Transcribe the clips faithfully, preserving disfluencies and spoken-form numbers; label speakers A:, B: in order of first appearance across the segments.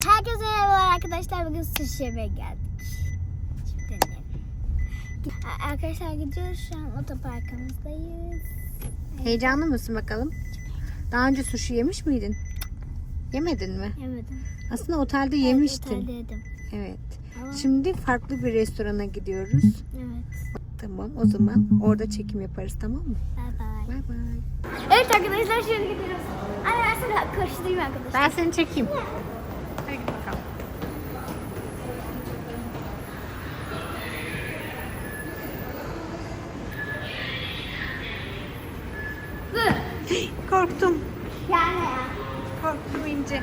A: Herkese merhaba arkadaşlar. Bugün sushi yemeye geldik. Şimdi arkadaşlar gidiyoruz. Şu an otoparkımızdayız.
B: Heyecanlı mısın bakalım? Daha önce sushi yemiş miydin? Yemedin mi?
A: Yemedim.
B: Aslında otelde
A: Evet,
B: yemiştin.
A: otelde yedim.
B: Evet.
A: Ama-
B: Şimdi farklı bir restorana gidiyoruz.
A: Evet.
B: Tamam, o zaman orada çekim yaparız, tamam mı?
A: Bye bye.
B: Bay bay.
A: Evet arkadaşlar şimdi gidiyoruz. Anne ben sana koşturayım arkadaşlar.
B: Ben seni çekeyim. Hadi bakalım. Korktum.
A: Yani ya.
B: Korktum İnce.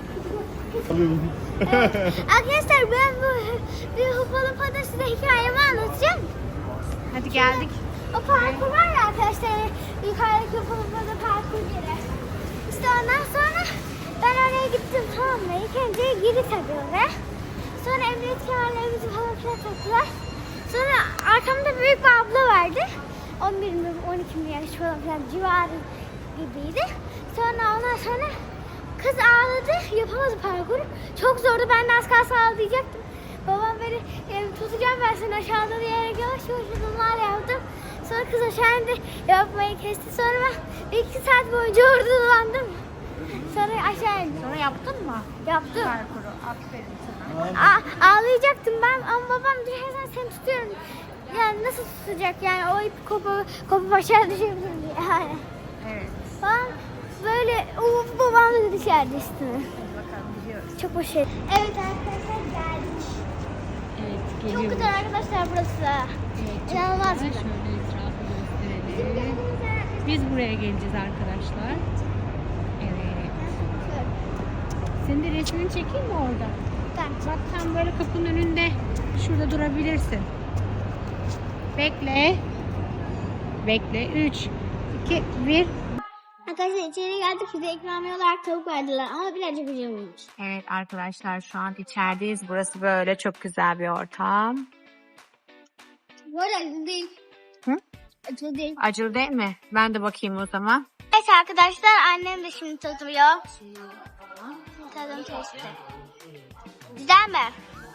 A: Arkadaşlar ben bu bir Hopalıpa'da size hikayemi anlatacağım.
B: Hadi geldik.
A: O parkur var ya arkadaşlar, yukarıdaki Hopalıpa'da parkur yeri. İşte ondan sonra ben oraya gittim, tamam mı? İlk önce giri tabii oraya. Sonra emniyet kemerlerimizi falan filan taktılar. Sonra arkamda büyük bir abla vardı. on bir mi on iki mi yaş falan filan civarı gibiydi. Sonra ondan sonra kız ağladı, yapamadı parkuru. Çok zordu, ben de az kalsın ağlayacaktım. Babam beni e, tutacağım ben seni aşağıda diyerek yavaş yavaş adımlar yaptım. Sonra kız aşağı indi, yapmayı kesti. Sonra ben bir iki saat boyunca orada dolandım. Sonra aşağı indim.
B: Sonra yaptın mı?
A: Yaptım.
B: Parkuru. Aferin sana.
A: Aa, ağlayacaktım ben ama babam düşersen seni tutuyorum. Yani nasıl tutacak yani, o ip kopu, kopup aşağı düşebilir yani.
B: Evet.
A: Ben böyle uf, babam da düşerdi üstüne.
B: Hadi bakalım gidiyoruz.
A: Çok hoş. Evet arkadaşlar geldik.
C: Evet,
A: Çok
C: geliyoruz.
A: güzel arkadaşlar burası.
C: Evet, çok
A: İnanılmaz
C: güzel.
A: güzel.
C: Şöyle etrafı gösterelim. Biz buraya geleceğiz arkadaşlar. Evet. Senin de resmini çekeyim mi orada? Bak tam böyle kapının önünde. Şurada durabilirsin. Bekle. Bekle. üç, iki, bir.
A: Arkadaşlar içeri geldik, bize ikramiye olarak tavuk verdiler ama birazcık ucuzmuş.
B: Evet arkadaşlar, şu an içerideyiz. Burası böyle çok güzel bir ortam.
A: Bu arada acı değil.
B: Hı?
A: Acı değil.
B: Acılı değil mi? Ben de bakayım o zaman.
A: Evet arkadaşlar, annem de şimdi tadıyor. Tadım testi. Güzel mi?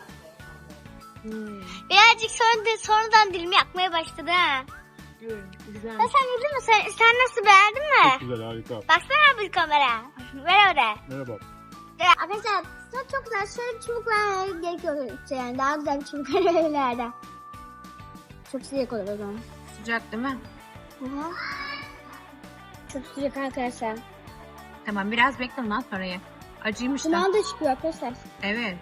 B: Hmm.
A: Birazcık sonra da, sonradan dilimi yakmaya başladı ha.
B: Güzel.
A: Ya sen yedin mi? Sen, sen nasıl, beğendin mi?
D: Çok güzel, harika.
A: Baksana bir kamera. Ver oraya.
D: Merhaba.
A: Evet, arkadaşlar çok çok güzel. Şöyle bir çubuk vermeye gerekiyor. Yani daha güzel bir çubuk vermelerden. Çok sıcak olur o zaman.
B: Sıcak değil mi?
A: Hı hı. Çok sıcak arkadaşlar.
B: Tamam, biraz bekle ondan sonra ye. Acıymış da.
A: Duman da çıkıyor arkadaşlar.
B: Evet.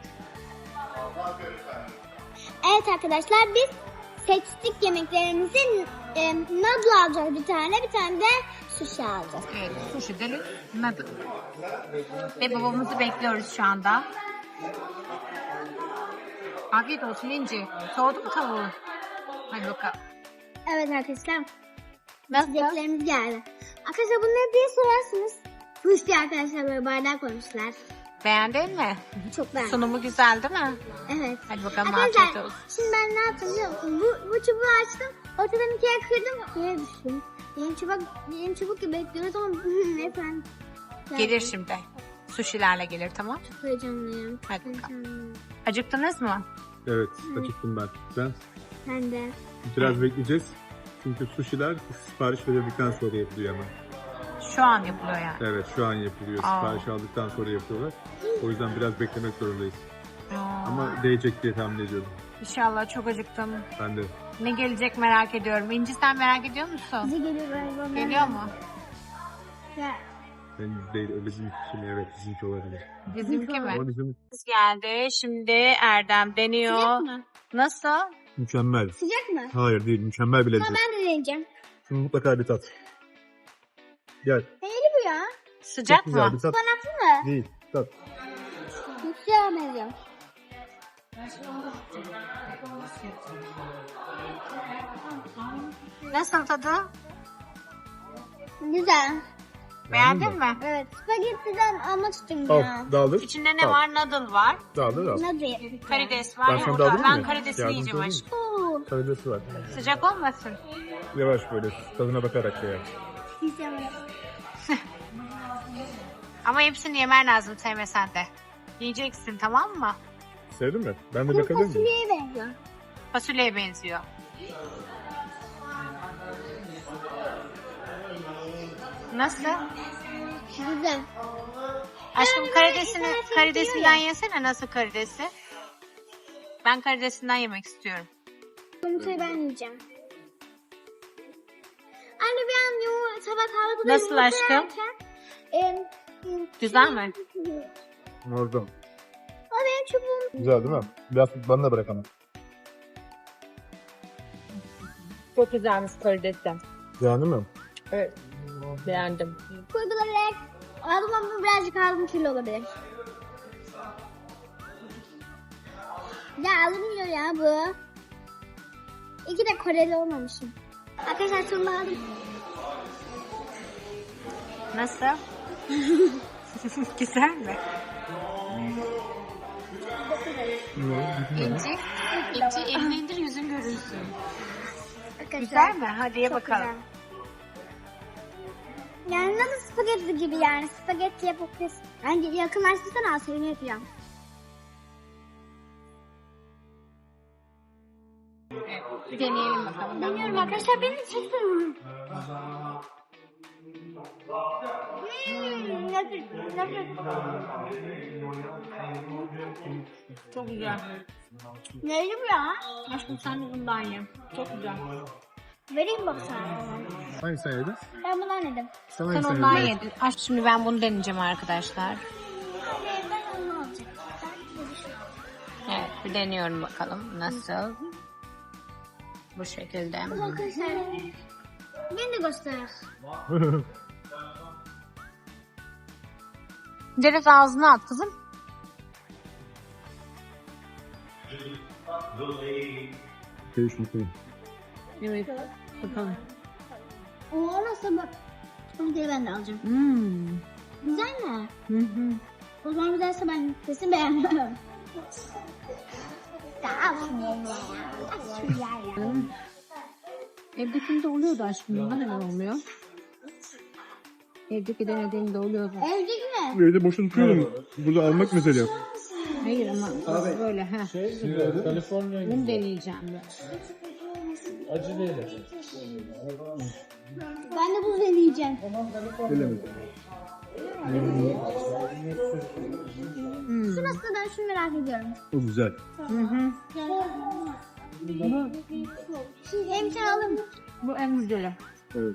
A: Evet arkadaşlar, biz seçtik yemeklerimizi. E, noodle alacağız bir tane, bir tane de sushi alacağız.
B: Evet, sushi delik, noodle. Ve babamızı bekliyoruz şu anda. Afiyet olsun İnci. Soğudu mu tavuğu? Hadi bakalım.
A: Evet arkadaşlar. Yemeklerimiz geldi. Arkadaşlar bu ne diye sorarsınız. Sushi arkadaşlar, böyle bardak koymuşlar.
B: Beğendin mi?
A: Çok beğendim.
B: Sunumu güzel değil mi?
A: Evet.
B: Hadi bakalım, afiyet
A: Arkadaşlar
B: olsun.
A: şimdi ben ne yaptım biliyor musun? Bu, bu çubuğu açtım. Ortadan ikiye kırdım. Yere düştüm. Yeni çubuk, yeni çubuk gibi bekliyoruz ama efendim.
B: Gelir şimdi. Sushilerle gelir, tamam.
A: Çok heyecanlıyım.
B: Hadi bakalım.
A: Heyecanlıyım.
B: Acıktınız mı?
D: Evet, acıktım ben. Sen?
A: Ben de.
D: Biraz bekleyeceğiz. Çünkü sushiler sipariş verildikten sonra yapılıyor hemen.
B: Şu an yapılıyor yani.
D: Evet, şu an yapılıyor.
B: Aa.
D: Sipariş aldıktan sonra yapıyorlar. O yüzden biraz beklemek zorundayız.
B: Aa,
D: Ama değecek diye tahmin ediyorum.
B: İnşallah, çok acıktım.
D: Ben de.
B: Ne gelecek merak ediyorum. İnci, sen merak ediyor musun?
A: Bize geliyor galiba.
B: Geliyor mu?
A: Ya,
D: Ben değil, o bizim için evet, bizimki olabilir.
B: Bizimki mi?
D: Ama bizim
B: Biz geldi. Şimdi Erdem deniyor.
A: sıcak mı?
B: Nasıl?
D: mükemmel.
A: Sıcak mı?
D: Hayır değil, mükemmel bir
A: Ama
D: lezzet.
A: ben de deneyeceğim.
D: Şunu mutlaka bir tat. Gel.
A: Neyli bu ya?
B: Sıcak
D: Çok güzel
B: mı?
D: bir tat.
A: Ispanaklı mı?
D: Değil, tat.
A: Yüksel benziyor.
B: Nasıl tadı?
A: Güzel.
B: Beğendin mi?
A: Evet. Spagettiden almak istiyorum ya.
D: Al, dağılır.
B: İçinde ne
D: Al.
B: var? Noodle var.
D: Dağılır al.
A: Nasıl?
B: Karides var.
D: Ben sana
B: yumurta.
D: dağılayım
B: Ben
D: mı?
B: karidesini
D: Yardımcı
B: yiyeceğim
D: olayım
B: aşkım.
A: Oo.
D: Karidesi var.
B: Sıcak olmasın.
D: Yavaş böyle tadına bakarak ya.
A: Güzel.
B: Ama hepsini yemen lazım, sevmesen de. Yiyeceksin, tamam mı?
D: Sevdin mi? Ben de
A: Kuru
D: bakabilir miyim?
A: fasulyeye benziyor.
B: Fasulyeye benziyor. Nasıl?
A: Güzel.
B: Aşkım
A: Ben
B: karidesini,
A: böyle internet
B: karidesinden
A: izliyorum.
B: yesene, nasıl karidesi? Ben karidesinden yemek istiyorum.
A: Yumurtayı ben yiyeceğim. Anne bir an yumurta tabak aldı.
B: Nasıl aşkım? Güzel mi?
D: Orada.
A: O benim çubuğum.
D: Güzel değil mi? Biraz bana da bırak ama.
B: Çok güzelmiş karidesi.
D: Beğendin mi?
B: Evet. Beğendim.
A: Koydular. Aldım ama birazcık aldım kilo olabilir. Ya alınmıyor ya bu. İki de Koreli olmamışım. Arkadaşlar sonunda aldım.
B: Nasıl? Güzel mi? İnci, İnci elini indir yüzün görünsün.
A: Arkadaşlar,
B: Güzel mi? Hadi ye
A: çok
B: bakalım.
A: güzel. Yani nasıl spagetti gibi yani. Spagetti yapabilirsin. Yani yakınlaştırsana Asya'nı yapacağım.
B: Bir deneyelim bakalım.
A: Deniyorum arkadaşlar. Beni çeksin. Hmm, nefis, nefis.
B: Çok güzel.
A: Neydi bu ya?
B: Aşkım sen de bundan ye. Çok güzel.
A: Vereyim bak sana.
D: Hangisini yedin?
A: Ben bundan yedim.
D: Sen
B: Sen
D: hangisini
B: ondan
D: yedin?
B: yedin. Aşkım şimdi ben bunu deneyeceğim arkadaşlar.
A: Anne ben onu alacağım. Ben de bir şey.
B: Evet, bir deniyorum bakalım nasıl. Bu şekilde.
A: Arkadaşlar. Beni de göster.
B: Direkt ağzına at kızım.
D: Değişmiş değil.
B: Evet. Bakalım.
A: O nasıl bak. Onu geri ben de alacağım.
B: Hmm.
A: Güzel mi?
B: Hı hı.
A: O zaman güzelse ben kesin beğenmem. Daha şunu ya.
B: Evdekinde oluyordu aşkım. Bunda neden olmuyor? Evdeki denediğimde oluyordu.
A: Evdeki mi?
D: Evde boşuna tutuyorum. Burada almak mesele.
B: Hayır ama böyle ha. Bunu deneyeceğim.
A: Ben de bunu deneyeceğim.
D: Bilemedim.
A: Şu nasıl ben şunu merak ediyorum.
D: O güzel.
B: Hı hı.
A: Hem sen alın.
B: Bu en güzeli.
D: Evet.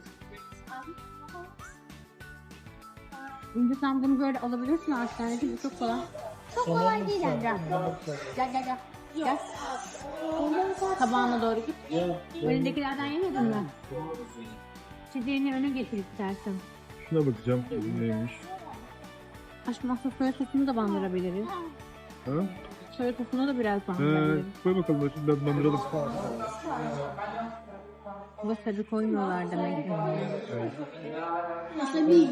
B: Şimdi sen bunu böyle alabilirsin hastanede. Bu çok kolay.
A: Çok kolay değil yani.
B: Gel gel gel. Gel. Tabağına doğru git. Elindekilerden yemedin mi? Çiçeğini öne getir istersen.
D: Şuna bakacağım. Neymiş?
B: Aşkım aslında soya sosunu da bandırabiliriz.
D: Ha?
B: Soya sosunu da biraz
D: Ee,
B: bandırabiliriz.
D: koy bakalım. Ben bandıralım.
B: Wasabi koymuyorlar demek ki.
A: Wasabi.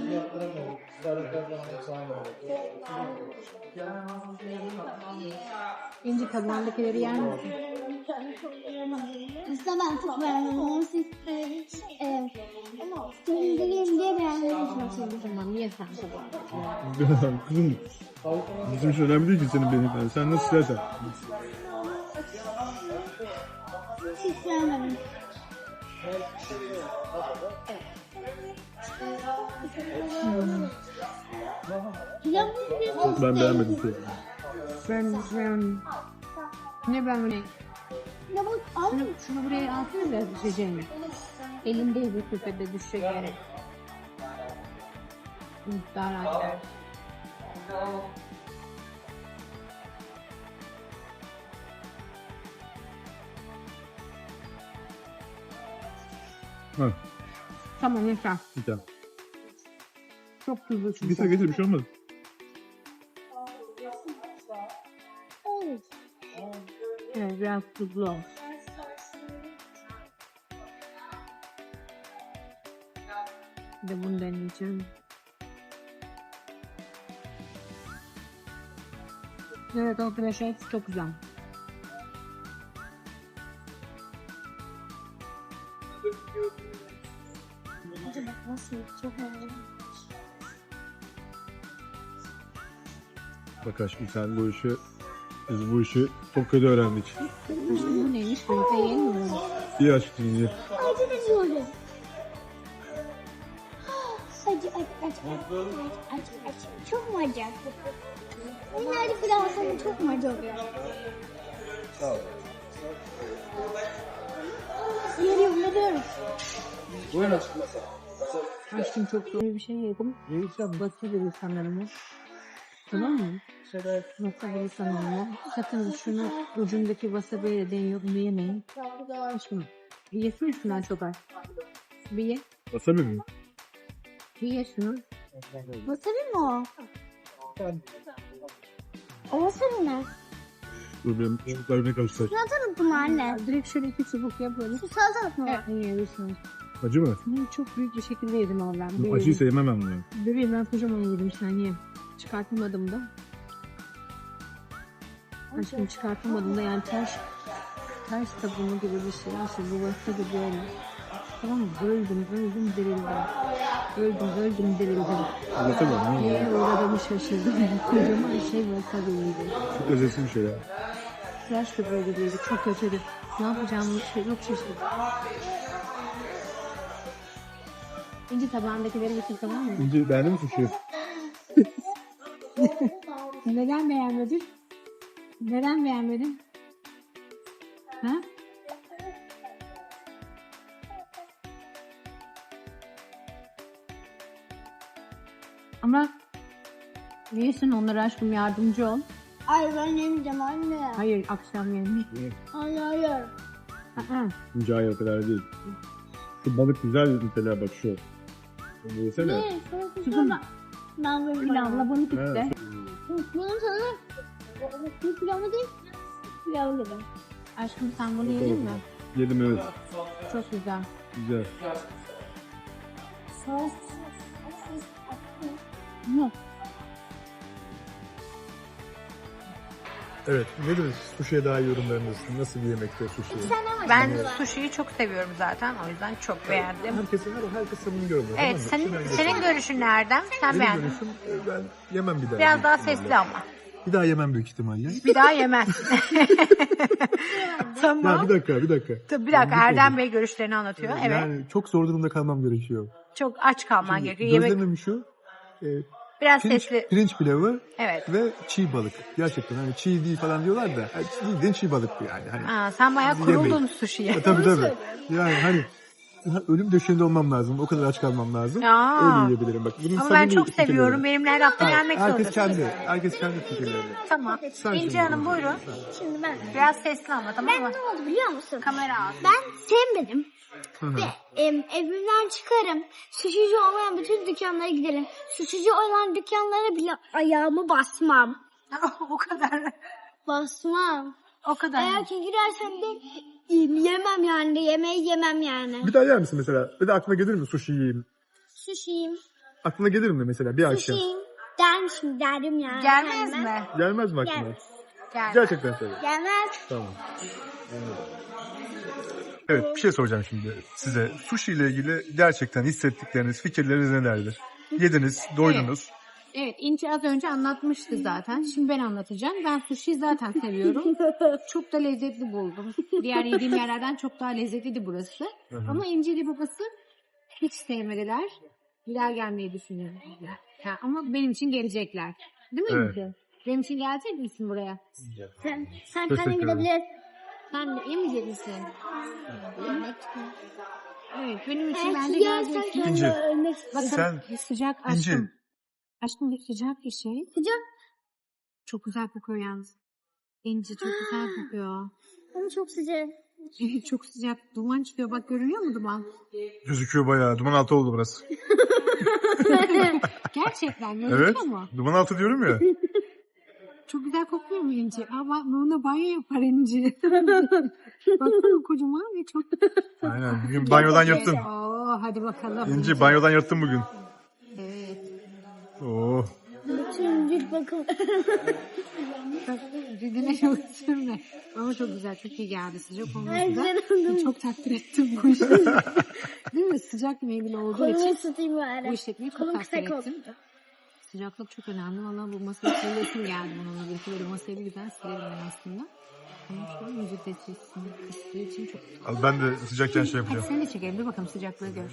B: İnci tabağındakileri yer misin?
A: Aslında ben çok beğendim. Siz e, sindireyim diye beğendim.
B: Tamam ye sen tabağını.
D: Kızım. Bizim için önemli değil ki senin benim. Yani sen nasıl istersen.
A: Hiç beğenmedim. Güzel mi?
D: Ben beğenmedim.
B: Ben ben ne ben ne?
A: Ya bu al.
B: Şunu, şunu buraya alsana biraz düşeceğini. Elimde bir küpede düşecek yere. Hı, daha rahat ver.
D: Ha,
B: Tamam yeter.
D: bir tane.
B: Çok tuzlu çünkü.
D: Getir getir bir şey olmaz.
A: Evet.
B: Evet biraz tuzlu ol. Bir de bunu deneyeceğim. Evet o kreşe çok güzel.
A: Acaba nasıl? Çok merak ediyorum.
D: Bak aşkım sen bu işi, biz bu işi Tokyo'da öğrendik.
C: Aşkım bu neymiş? Böyle yenmiyor mu?
D: İyi aşkım iyi.
A: Acı veriyorum. Acı acı acı acı acı acı. Çok mu acı? Nerede Fransa'nın çok mu acı oluyor? Yeri buluyorum.
C: Aşkım çok zor bir şey yedim. Basabilir sanırım. Tamam mı? Basabilir sanırım. Sakın şunu ucundaki wasabi'yle deniyor. Bunu yemeyin. Aşkım. Yesene şundan çok az. Bir ye.
D: Wasabi mi?
C: Bir ye şunu.
A: Wasabi mi o? O wasabi ne?
D: Dur benim çocuklarımla karıştır.
A: Salatalık mı anne?
C: Direkt şöyle iki çubuk yap böyle.
A: Şu salatalık mı?
C: Evet, yiyebilirsin.
D: Acı mı?
C: Bunu çok büyük bir şekilde yedim ama ben.
D: Bu
C: Böyle
D: acıyı sevmem ben bunu.
C: Bebeğim ben kocaman yedim sen ye. Çıkartamadım da. Aşkım çıkartamadım da yani ters ters tabumu gibi bir şey. İşte bu vasta gibi böyle. Tamam mı? Öldüm, öldüm, dirildim. Öldüm, öldüm, dirildim.
D: Wasabi mi?
C: Neye uğradığımı şaşırdım. Kocaman şey vasta gibiydi.
D: Çok lezzetli bir şey ya.
C: Tıraş da böyle değildi. Çok kötüydü. Ne yapacağımı şey yok şaşırdım. İnci tabağındakileri bitir tamam mı?
D: İnci beğendin mi suşi?
C: Neden beğenmedin? Neden beğenmedin? Ha? Ama yiyorsun onlara aşkım yardımcı ol.
A: Ay ben yemeyeceğim anne.
C: Hayır akşam yemeği.
A: Hayır hayır.
C: Aa,
D: İnci hayır o kadar değil. Şu balık güzel mesela bak şu. Bunu yesene.
A: Ne?
C: Kızım
A: Ben böyle
C: pilavla bunu bitti.
A: Bunun sana bu pilavı değil. Pilavı gibi.
C: Aşkım sen bunu yedin mi?
D: Yedim evet.
C: Çok güzel.
D: Güzel.
A: Sos.
C: Hı.
D: Evet. Nedir suşiye daha iyi yorumlarınız? Nasıl bir yemekte suşi?
B: Ben sushi'yi çok seviyorum zaten. O yüzden çok beğendim.
D: Herkesin her herkes bunu görüyor.
B: Evet, senin senin görüşün nereden? Sen
D: Benim
B: beğendin.
D: görüşüm e, ben yemem bir daha.
B: Biraz daha
D: büyük ihtimalle.
B: sesli ama.
D: Bir daha yemem büyük ihtimalle.
B: Bir daha yemezsin. Tamam.
D: Ya bir dakika bir dakika.
B: Tabii bir dakika
D: Yani
B: Erdem Bey görüşlerini anlatıyor. Evet.
D: Yani çok zor durumda kalmam gerekiyor.
B: Çok aç kalman gerekiyor. Yemek
D: Gözlemim şu. E,
B: biraz
D: pirinç,
B: sesli.
D: pirinç pilavı
B: Evet.
D: ve çiğ balık. Gerçekten hani çiğ değil falan diyorlar da. Yani çiğ bildiğin çiğ balık bu yani. Hani,
B: Aa, sen bayağı
D: Yemeyin.
B: kuruldun sushi'ye.
D: E, tabii tabii. Yani hani ölüm döşeğinde olmam lazım. O kadar aç kalmam lazım.
B: Aa.
D: Öyle yiyebilirim bak. Bunun
B: Ama ben
D: samimi
B: çok
D: fikirleri.
B: seviyorum. Benimle her hafta
D: Ha,
B: gelmek
D: herkes
B: zorundasın.
D: kendi, herkes kendi fikirleri.
B: Tamam.
D: Sen
B: İnci
D: şimdi
B: Hanım
D: konuş.
B: buyurun.
A: Şimdi ben.
B: Biraz sesli ama tamam
A: Ben
B: mı?
A: ne oldu biliyor musun?
B: Kamera al.
A: Ben sevmedim.
D: Hı hı.
A: Em, evimden çıkarım. Sushici olmayan bütün dükkanlara giderim. Sushici olan dükkanlara bile ayağımı basmam.
B: O kadar.
A: Basmam.
B: O kadar.
A: Eğer ki girersem de yemem yani. Yemeği yemem yani.
D: Bir daha yer misin mesela? Bir de aklına gelir mi sushi yiyeyim?
A: Sushi'yim.
D: Aklına gelir mi mesela bir akşam?
A: Sushi'yim. Dermişim derim yani.
B: Gelmez
A: Gelmez.
B: mi?
D: Gelmez mi aklına?
A: Gelmez.
B: Gel.
D: Gerçekten söyle.
A: Gelmez.
D: Tamam. Evet bir şey soracağım şimdi size. Sushi ile ilgili gerçekten hissettikleriniz, fikirleriniz nelerdir? Yediniz, doydunuz.
C: Evet, İnci az önce anlatmıştı zaten. Şimdi ben anlatacağım. Ben sushi zaten seviyorum. Çok da lezzetli buldum. Diğer yediğim yerlerden çok daha lezzetliydi burası.
D: Hı hı.
C: Ama İnci ile babası hiç sevmediler. Bir daha gelmeyi düşünüyorum. Ha, ama benim için gelecekler. Değil mi
D: Evet.
C: İnci? Benim için gelecek misin buraya?
A: Sen, sen
D: Teşekkür
A: kendin
D: ederim.
A: gidebilir.
C: Sen de yemeyecek misin?
A: Yemek.
C: Evet, benim için
A: Eğer
C: bence
A: ki yersen
C: gelecek.
A: kendini
D: İnci.
A: ölmek
C: Bakın
D: Sen-
C: bir sıcak
D: İnci.
C: aşkım. Aşkım bir sıcak bir şey.
A: Sıcak.
C: Çok güzel kokuyor yalnız. İnci çok güzel kokuyor.
A: Ama çok sıcak.
C: Evet, çok sıcak. Duman çıkıyor. Bak görünüyor mu duman?
D: Gözüküyor bayağı. Duman altı oldu burası.
C: Gerçekten gözüküyor
D: Evet.
C: mu?
D: Duman altı diyorum ya.
C: Çok güzel kokuyor mu İnci? Ama bununla banyo yapar İnci. Baksana kocaman ve çok...
D: Aynen. Bugün banyodan yırttın.
C: Oo, hadi bakalım.
D: İnci banyodan yırttın bugün.
C: Evet.
D: Oo.
A: Bütün cilt bakım.
C: Cildine çok sürme. Ama çok güzel. Çok iyi geldi. Sıcak
A: Ay
C: olması da.
A: güzel oldum.
C: Çok takdir ettim bu işi. Değil mi? Sıcak meyveli olduğu
A: Kolumu
C: için
A: ısıtayım
C: bu
A: bari.
C: işletmeyi çok
A: Kolum
C: takdir
A: kısa
C: ettim.
B: Sıcaklık çok önemli. Valla bu masayı silesim geldi bununla birlikte. Böyle masayı bir güzel silerim ben aslında. Ama şu an iyice de silsin. Kıstığı için çok...
D: Al ben de sıcakken şey
B: Hadi
D: yapacağım.
B: sen de çekelim. Dur bakalım sıcaklığı gör.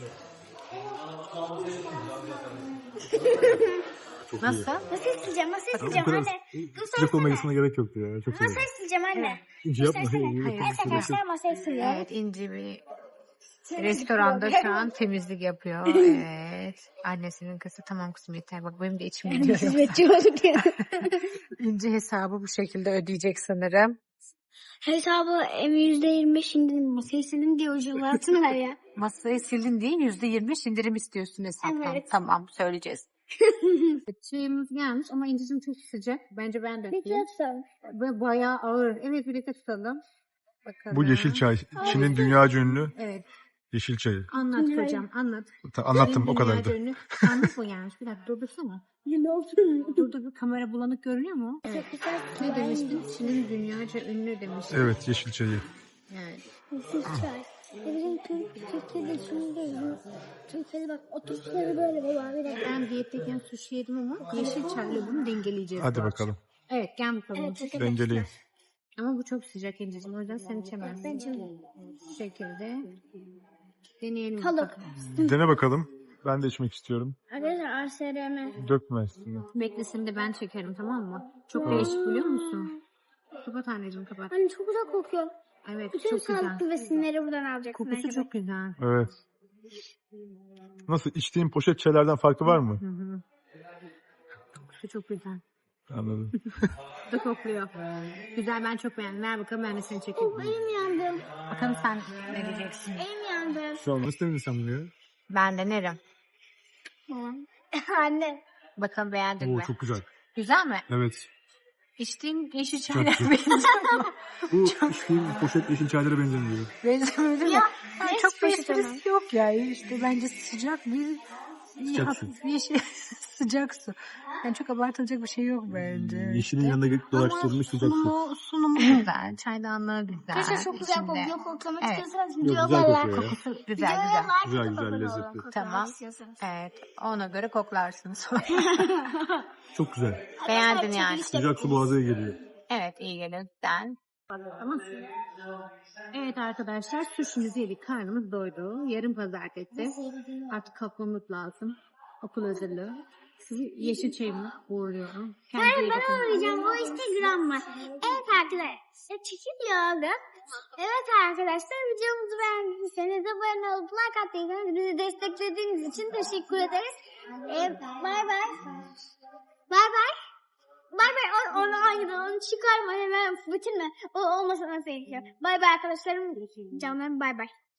B: Nasıl?
A: Masayı sileceğim, masayı
D: Bu
A: sileceğim
D: kadar
A: anne.
D: sıcak olmasına gerek yoktu ya. Çok güzel.
A: Masayı sileceğim anne.
D: İnce yapma.
A: Masayı
D: Hayır,
A: sileceğim.
D: hayır,
A: Evet arkadaşlar masayı siliyorum.
B: Evet, İnci bir restoranda şu an temizlik yapıyor. Evet. Annesinin kızı tamam kızım yeter. Bak benim de içim gidiyor.
A: Hizmetçi olduk ya.
B: İnci hesabı bu şekilde ödeyecek sanırım.
A: Hesabı em yüzde yirmi beş indirim, masayı sildim diye ucuzlattın ver ya.
B: Masayı sildin değil yüzde yirmi beş indirim istiyorsun hesaptan.
A: Evet.
B: Tamam söyleyeceğiz. Çayımız gelmiş ama İnci'cim çok sıcak. Bence ben de
A: Peki
B: yapayım.
A: yapsam.
B: Ve bayağı ağır. Evet birlikte tutalım. Bakalım.
D: Bu yeşil çay. Çin'in dünyaca ünlü
B: Evet.
D: yeşil çayı.
B: Anlat hocam anlat.
D: Ta- Anlattım
B: Çin'in
D: o kadardı.
B: dünyaca ünlü- Anlat mı gelmiş? Bir dakika durdursana.
A: Ne oldu?
B: Dur dur kamera bulanık görünüyor mu? Evet.
A: Çok güzel.
B: Ne demiştin? Çin'in dünyaca ünlü demiştin.
D: Evet yeşil çayı.
B: Evet.
A: Yeşil çay. Ya bizim Türk, Türkiye'de şimdi değil. Türkiye'de bak o Türkleri böyle baba bir dakika.
B: Ben diyetteyken sushi yedim ama yeşil çayla bunu dengeleyeceğiz.
D: Hadi
B: bu
D: bakalım.
B: akşam. Evet gel bakalım.
A: Evet arkadaşlar.
D: Dengeleyin.
B: Ama bu çok sıcak İnci'cim. O yüzden sen içemezsin.
A: Ben şimdi
B: Bu şekilde deneyelim.
A: Kalıp.
B: bakalım.
D: Dene bakalım. Ben de içmek istiyorum.
A: Arkadaşlar R S R M.
D: Dökme üstüne.
B: Beklesin de ben çekerim tamam mı? Çok değişik biliyor musun? Kapat anneciğim kapat.
A: Anne çok güzel kokuyor.
B: Evet
A: Bütün
B: çok güzel.
A: sağlıklı besinleri buradan alacaksın.
B: Kokusu
A: arkadaşlar.
B: çok güzel.
D: Evet. Nasıl içtiğin poşet çaylardan farkı var mı?
B: Hı hı. Kokusu çok güzel.
D: Anladım.
B: Bu da kokluyor. Güzel ben çok beğendim. Ver bakalım ben de seni çekeyim.
A: Oh, elim yandı.
B: Bakalım sen ne diyeceksin?
A: Elim yandı.
D: Şu an nasıl demedin sen bunu ya?
B: Ben denerim.
A: Anne.
B: Bakalım beğendin
D: Oo
B: mi?
D: çok güzel.
B: Güzel mi?
D: Evet.
B: İçtiğin yeşil çayla
D: güzel.
B: benziyor.
D: Bu içtiğim poşet yeşil çaylara benzemiyor.
B: Benzemiyor değil mi?
A: Ya,
B: Yani
A: ne
B: çok bir
A: poşet ama?
B: esprisi yok ya. İşte bence sıcak bir
D: Sıcak
B: hafif yeşil sıcak su. Yani çok abartılacak bir şey yok bence.
D: Yeşilin yanında dolaştırılmış sıcak su.
B: Sunumu, sunumu güzel. Çaydanlığı güzel.
A: Arkadaşlar çok güzel
B: İçinde.
A: kokuyor. Koklamak
B: Evet.
A: istiyorsanız
D: Yok, güzel
A: videolarla.
D: kokuyor ya.
B: Kokusu güzel güzel.
D: Güzel, güzel, lezzetli.
B: Tamam. Evet. Ona göre koklarsınız sonra.
D: Çok güzel.
B: Beğendin yani.
D: Sıcak su boğaza iyi geliyor.
B: Evet iyi gelir. Den. Tamam. Evet arkadaşlar sushi'mizi yedik. Karnımız doydu. Yarın pazartesi. Artık kalkmamız lazım. Okul hazırlığı. Sizi yeşil çayımla uğurluyorum. Kendinize iyi
A: Ben
B: bakın.
A: arayacağım. Bu Instagram var. Evet arkadaşlar. Çekiliyor. Evet arkadaşlar. Videomuzu beğendiyseniz abone olup like attıysanız bizi desteklediğiniz için teşekkür ederiz. Ee, bay bay. Bay bay. Bay bay. O- Onu aynı onu çıkarma hemen bitirme. O olmasa nasıl gerekiyor. Bay bay arkadaşlarım. Canlarım bay bay.